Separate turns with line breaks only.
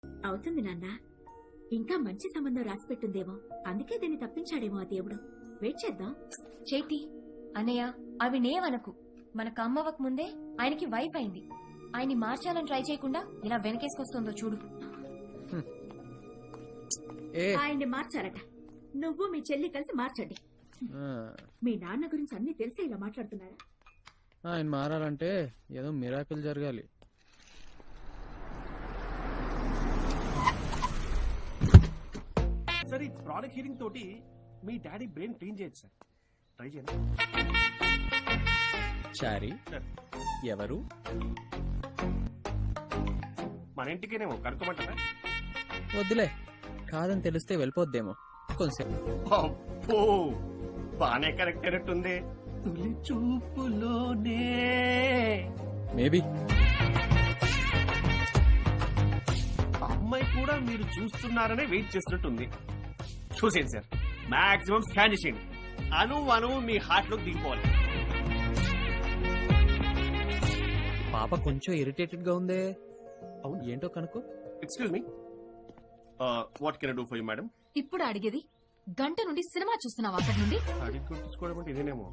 అవుతుంది నాన్న. ఇంకా మంచి సంబంధం రాసి పెట్టుందేమో, అందుకే దీన్ని తప్పించాడేమో ఆ దేవుడు. వెయిట్ చేద్దాం.
చేతి అన్నయ్య అవి నేవనకు. మనకు అమ్మవక ముందే ఆయనకి వైఫ్ అయింది. ఆయన్ని మార్చాలని ట్రై చేయకుండా ఇలా వెనకేసుకొస్తుందో చూడు.
ఆయన్ని మార్చారట. నువ్వు మీ చెల్లి కలిసి మార్చండి. మీ నాన్న గురించి అన్ని తెలిసి ఇలా మాట్లాడుతున్నారా?
ఆయన మారాలంటే ఏదో మిరాకిల్ జరగాలి.
సార్, ఈ ప్రోడక్ట్ హీరింగ్ తోటి మీ డాడీ బ్రెయిన్ క్లీన్ చేయొచ్చు సార్. ట్రై చేయండి.
చారీ ఎవరు?
మన ఇంటికేనేమో కనుక్కోమంటారా?
వద్దులే, కాదని తెలిస్తే వెళ్ళిపోద్దేమో. కొంచెం
అబ్బో, బానే కరెక్ట్ అయినట్టుంది. తొలి చూపులోనే
మేబీ.
అమ్మాయి కూడా మీరు చూస్తున్నారనే వెయిట్ చేస్తున్నట్టుంది. చూసేయండి సార్, మాక్సిమం స్కాన్ చేసేయండి. అణువు మీ హార్ట్ లోకి దిగిపోవాలి.
పాప కొంచెం ఇరిటేటెడ్ గా ఉందే.
అవును,
ఏంటో కనుక్కో.
Excuse me, what can I do for you madam?
ఇప్పుడు అడిగేది గంట నుండి సినిమా చూస్తున్నావా? అక్కడి నుండి
అడిగి కొట్టించుకోవడం అంటే ఇదేనేమో.